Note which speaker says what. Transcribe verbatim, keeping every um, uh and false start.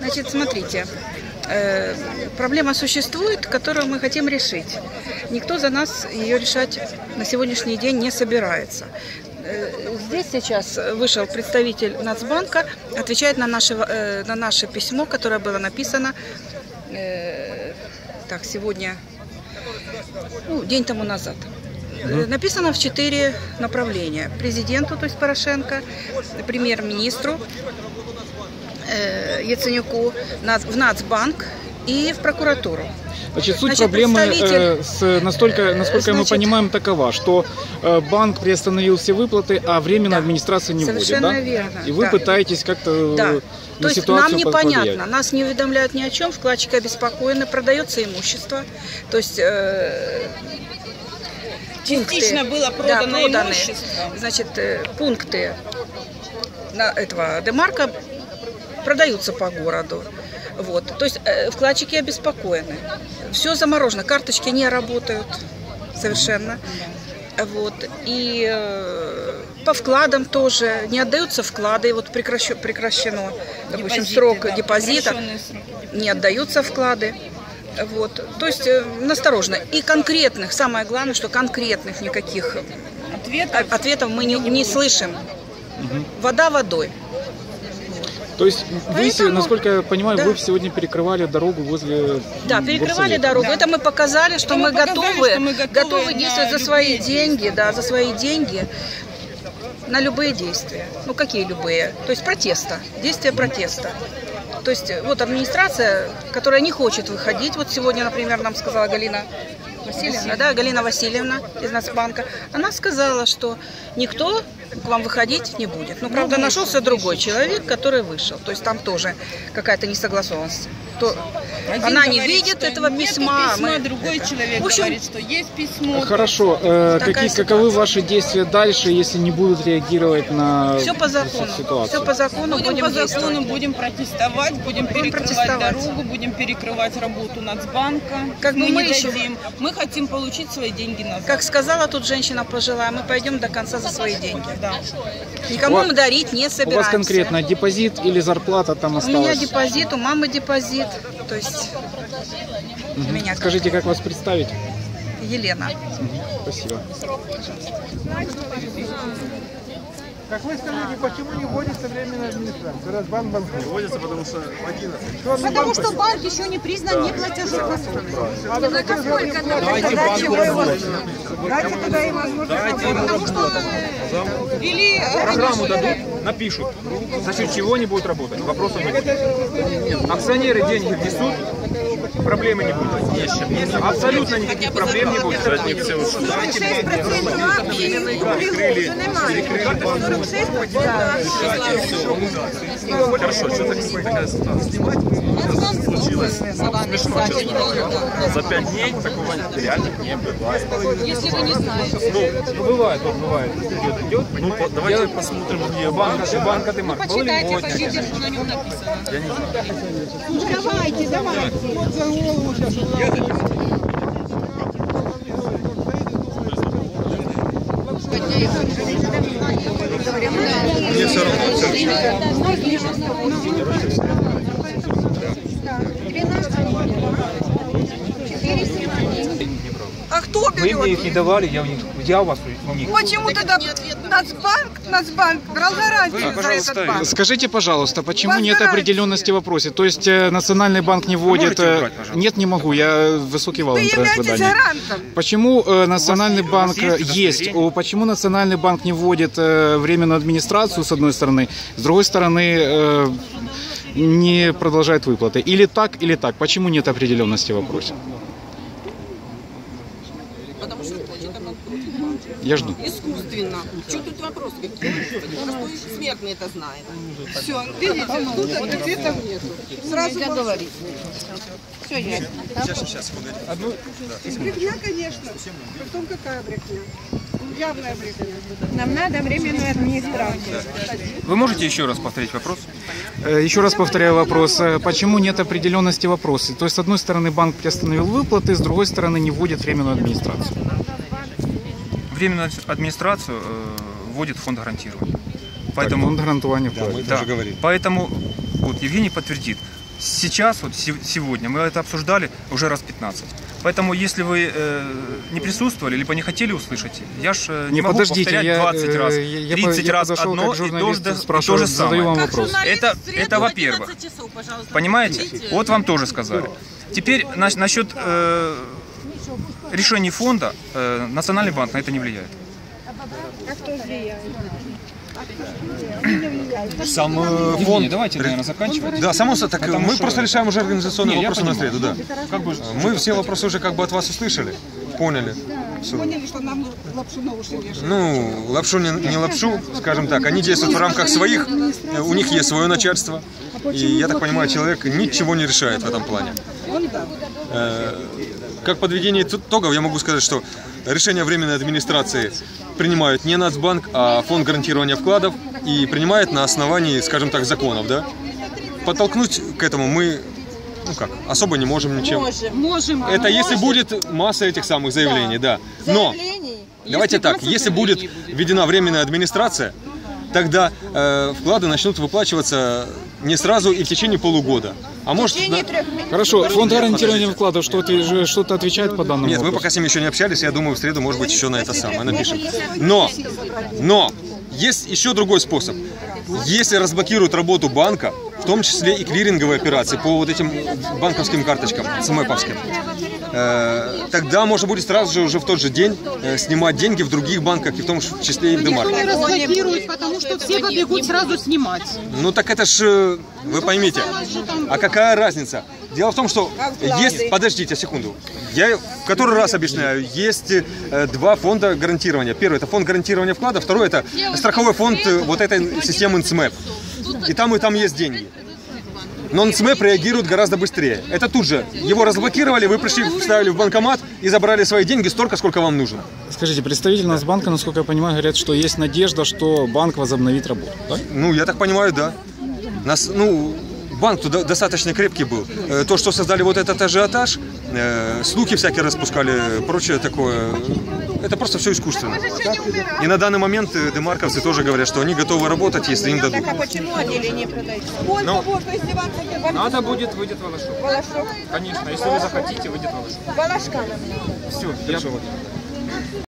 Speaker 1: Значит, смотрите, э, проблема существует, которую мы хотим решить. Никто за нас ее решать на сегодняшний день не собирается. Э, здесь сейчас вышел представитель Нацбанка, отвечает на наше, э, на наше письмо, которое было написано э, так, сегодня, ну, день тому назад. Mm-hmm. Написано в четыре направления. Президенту, то есть Порошенко, премьер-министру э, Яценюку, в Нацбанк и в прокуратуру.
Speaker 2: Значит, суть
Speaker 1: Значит,
Speaker 2: проблемы,
Speaker 1: представитель...
Speaker 2: э, с, настолько, насколько Значит... мы понимаем, такова, что э, банк приостановил все выплаты, а временно да. администрация не
Speaker 1: Совершенно
Speaker 2: вводит, да?
Speaker 1: верно.
Speaker 2: И вы
Speaker 1: да.
Speaker 2: пытаетесь как-то
Speaker 1: да.
Speaker 2: на
Speaker 1: То есть
Speaker 2: ситуацию
Speaker 1: нам непонятно,
Speaker 2: повлиять.
Speaker 1: Нас не уведомляют ни о чем, вкладчики обеспокоены, продается имущество, то есть э,
Speaker 3: частично
Speaker 1: пункты,
Speaker 3: было продано
Speaker 1: да, проданы,
Speaker 3: имущество.
Speaker 1: Значит, э, пункты на этого демарка продаются по городу. Вот. То есть э, вкладчики обеспокоены. Все заморожено, карточки не работают совершенно. Вот. И э, по вкладам тоже не отдаются вклады. Вот прекращено, прекращено допустим,
Speaker 3: депозиты,
Speaker 1: срок
Speaker 3: да,
Speaker 1: депозита, не отдаются вклады. Вот. То есть э, насторожно. И конкретных, самое главное, что конкретных никаких ответов, ответов мы не, не слышим. Угу. Вода водой.
Speaker 2: То есть,
Speaker 1: Поэтому,
Speaker 2: вы, насколько я понимаю, да. вы сегодня перекрывали дорогу возле...
Speaker 1: Да, перекрывали дорогу. Да. Это мы показали, что, мы, мы показали, готовы, что мы готовы, готовы действовать за свои деньги, деньги, да, за свои деньги на любые действия. Ну, какие любые? То есть протеста, действия протеста. То есть вот администрация, которая не хочет выходить, вот сегодня, например, нам сказала Галина Васильевна, да, Галина Васильевна из Нацбанка, она сказала, что никто к вам выходить не будет. Ну, правда, нашелся другой человек, который вышел. То есть там тоже какая-то несогласованность. То она не
Speaker 3: говорит,
Speaker 1: видит этого письма.
Speaker 3: письма мы... Другой человек в общем, говорит, что есть письмо.
Speaker 2: Хорошо. Э, какие, каковы ваши действия дальше, если не будут реагировать на
Speaker 1: Все по закону.
Speaker 2: ситуацию?
Speaker 1: Все по закону.
Speaker 3: Будем,
Speaker 1: будем
Speaker 3: по закону, будем протестовать, будем, будем перекрывать дорогу, будем перекрывать работу Нацбанка.
Speaker 1: Как
Speaker 3: мы,
Speaker 1: мы
Speaker 3: не
Speaker 1: еще...
Speaker 3: дадим. Мы хотим получить свои деньги назад.
Speaker 1: Как сказала тут женщина пожилая, мы пойдем до конца за свои деньги.
Speaker 3: Да.
Speaker 1: Никому
Speaker 2: вас,
Speaker 1: мы дарить не собираемся.
Speaker 2: У вас конкретно депозит или зарплата там осталась?
Speaker 1: У меня депозит, у мамы депозит. То есть
Speaker 2: угу.
Speaker 1: у меня.
Speaker 2: Скажите, как вас представить?
Speaker 1: Елена.
Speaker 2: Угу. Спасибо.
Speaker 4: Как вы скажите, почему не вводится временная администрация? Раз банк банкрот.
Speaker 5: Не вводится, потому что одиннадцать.
Speaker 6: Потому что банк еще не признан неплатежеспособным.
Speaker 4: А на какой
Speaker 5: Давайте банку работать.
Speaker 6: Дайте тогда и возможность.
Speaker 5: Потому что
Speaker 6: или
Speaker 5: программу дадут, напишут, за счет чего не будет работать. Вопросов не будет. Акционеры деньги внесут, проблемы не будет. Абсолютно никаких проблем не будет.
Speaker 6: шесть процентов акцій купили, немає. сорок шесть процентов.
Speaker 5: Хорошо, что такая ситуация? Случилось смешно, честно. За пять дней такого реально не бывает.
Speaker 6: Если вы не знаете.
Speaker 5: Ну, бывает, вот бывает. Идет, идет. Ну, по, давайте я... посмотрим, где банка, банка Демарк.
Speaker 6: Почитайте, почитайте, что на нем написано.
Speaker 5: Я не знаю.
Speaker 6: Давайте, давайте.
Speaker 4: Вот за голову сейчас.
Speaker 5: Мне все равно.
Speaker 6: А кто берет?
Speaker 7: Вы мне их не давали, я у них, я у вас у них.
Speaker 6: Почему тогда Нацбанк, Нацбанк брал гарантию за этот банк?
Speaker 2: Скажите, пожалуйста, почему
Speaker 6: Вас
Speaker 2: нет
Speaker 6: гарантия.
Speaker 2: определенности в вопросе? То есть э, Национальный банк не вводит... Э,
Speaker 5: убрать,
Speaker 2: нет, не могу, я высокий вал
Speaker 6: Вы являетесь
Speaker 2: интернет-выдания.
Speaker 6: гарантом.
Speaker 2: Почему э, Национальный
Speaker 5: вас
Speaker 2: банк
Speaker 5: есть
Speaker 2: есть? О, почему Национальный банк не вводит э, временную администрацию, с одной стороны, с другой стороны... Э, не продолжает выплаты? Или так, или так? Почему нет определенности в вопросе?
Speaker 8: Потому что хочет обанкротить.
Speaker 2: Я жду.
Speaker 8: Искусственно. Что тут вопрос? Простой смертный это знает.
Speaker 6: Все, видите, тут ответов нету. Сразу говорить. Все ясно.
Speaker 5: Сейчас, сейчас, погоди.
Speaker 6: Брехня, конечно. Потом какая брехня? Явная брехня. Нам надо временную администрацию.
Speaker 7: Вы можете еще раз повторить вопрос?
Speaker 2: Еще раз повторяю вопрос. Почему нет определенности в вопросе? То есть, с одной стороны, банк приостановил выплаты, с другой стороны, не вводит временную администрацию.
Speaker 7: Временную администрацию э, вводит фонд гарантирования. Поэтому,
Speaker 2: так, фонд гарантирования
Speaker 7: да,
Speaker 2: входит.
Speaker 7: да, поэтому вот Евгений подтвердит, сейчас, вот сегодня, мы это обсуждали уже раз пятнадцать. Поэтому, если вы э, не присутствовали, либо не хотели услышать, я ж э, не, не могу
Speaker 2: подождите,
Speaker 7: повторять
Speaker 2: я,
Speaker 7: двадцать раз,
Speaker 2: я,
Speaker 7: тридцать
Speaker 2: я
Speaker 7: раз
Speaker 2: подошел,
Speaker 7: одно
Speaker 2: как
Speaker 7: и то же,
Speaker 2: спрашиваю,
Speaker 7: то же самое.
Speaker 2: задаю вам вопрос.
Speaker 7: Это, это во-первых. Понимаете? Вот вам тоже сказали. Теперь на, насчет э, решений фонда, э, Национальный банк на это не влияет.
Speaker 6: А кто влияет?
Speaker 9: Сам э, фонд...
Speaker 7: Давайте, наверное, заканчивать.
Speaker 9: Да, само собой, так
Speaker 7: Потому
Speaker 9: мы
Speaker 7: что...
Speaker 9: просто решаем уже организационные
Speaker 7: Не,
Speaker 9: вопросы на среду, да.
Speaker 7: Как бы...
Speaker 9: Мы все вопросы уже как бы от вас услышали, поняли. Все.
Speaker 6: Поняли, что нам лапшу на уши вешают.
Speaker 9: Ну, лапшу не, не лапшу, скажем так, они действуют в рамках своих, у них есть свое начальство. И, я так понимаю, человек ничего не решает в этом плане. Э, как подведение итогов я могу сказать, что решение временной администрации принимают не Нацбанк, а Фонд гарантирования вкладов, и принимает на основании, скажем так, законов, да? Подтолкнуть к этому мы, ну как, особо не можем ничем.
Speaker 6: Можем. Можем.
Speaker 9: Это если будет масса этих самых заявлений, да. Но, давайте так, если будет введена временная администрация, тогда э, вклады начнут выплачиваться не сразу и в течение полугода. А может... На...
Speaker 2: Хорошо, фонд гарантирования вкладов что-то что отвечает по данному
Speaker 9: Нет,
Speaker 2: вопросу?
Speaker 9: мы пока с ним еще не общались, я думаю, в среду, может быть, еще на это самое напишем. Но, но, есть еще другой способ. Если разблокируют работу банка, в том числе и клиринговые операции по вот этим банковским карточкам, смэповским, э, тогда можно будет сразу же уже в тот же день э, снимать деньги в других банках, и в том числе и в Демарке.
Speaker 3: Никто не разблокирует, потому что все побегут сразу снимать.
Speaker 9: Ну так это ж, вы поймите, а какая разница? Дело в том, что есть, подождите секунду, я в который раз объясняю, есть э, два фонда гарантирования. Первый это фонд гарантирования вкладов, второй это страховой фонд э, вот этой системы эн цэ эм и пи. И там, и там есть деньги. Но эн цэ эм и пи реагирует гораздо быстрее. Это тут же. Его разблокировали, вы пришли, вставили в банкомат и забрали свои деньги столько, сколько вам нужно.
Speaker 2: Скажите, представитель Нацбанка, насколько я понимаю, говорят, что есть надежда, что банк возобновит работу. Да?
Speaker 9: Ну, я так понимаю, да. Нас, ну, банк туда достаточно крепкий был. То, что создали вот этот ажиотаж, э, слухи всякие распускали, прочее такое, это просто все искусственно. И на данный момент демарковцы тоже говорят, что они готовы работать, если им дадут.
Speaker 6: А почему отделение продается?
Speaker 9: Ну,
Speaker 5: надо будет, выйдет Волошок.
Speaker 6: Волошок.
Speaker 5: Конечно, если вы захотите, выйдет Волошок.
Speaker 6: Волошка.
Speaker 5: Все, я...